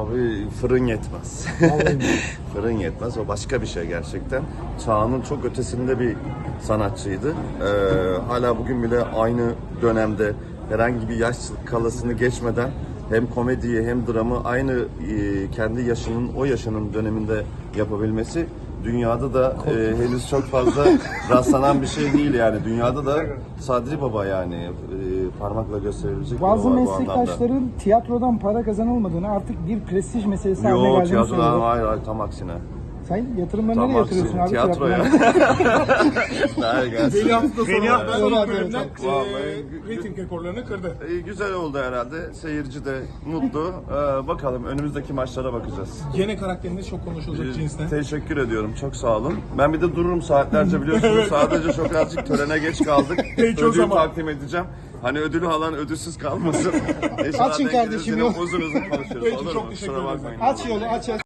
Abi fırın yetmez. Vallahi. Fırın yetmez. O başka bir şey gerçekten. Çağının çok ötesinde bir sanatçıydı. Hala bugün bile aynı dönemde herhangi bir yaş skalasını geçmeden hem komediyi hem dramı aynı kendi yaşının, o yaşının döneminde yapabilmesi dünyada da henüz çok fazla rastlanan bir şey değil yani. Dünyada da Sadri Baba yani parmakla gösterilecek Bazı bir baba bu anlamda. meslektaşların tiyatrodan para kazanılmadığını, artık bir prestij meselesi haline Yok, geldiğini tiyatrodan söylüyor. hayır, tam aksine. Sen yatırımları Tam nereye yatırıyorsun aksine. abi? Tiyatroya. Hayır, gelsin. Veli hafta sonu Veli hafta sonu bölümden Vallahi reyting rekorlarını kırdı. Güzel oldu herhalde. Seyirci de mutlu. Bakalım önümüzdeki maçlara bakacağız. Gene karakteriniz çok konuşulacak cinsten. Teşekkür ediyorum. Çok sağ olun. Ben bir de dururum saatlerce biliyorsunuz. Sadece çok azıcık törene geç kaldık. Peki, o Ödül zaman. takdim edeceğim. Hani ödülü alan ödülsüz kalmasın. İnşallah Açın denk kardeşim, geliriz, yine yok. uzun uzun konuşuruz. Peki, Olur çok mu? teşekkür Kusura ederiz. bakmayın. Aç yolu, aç.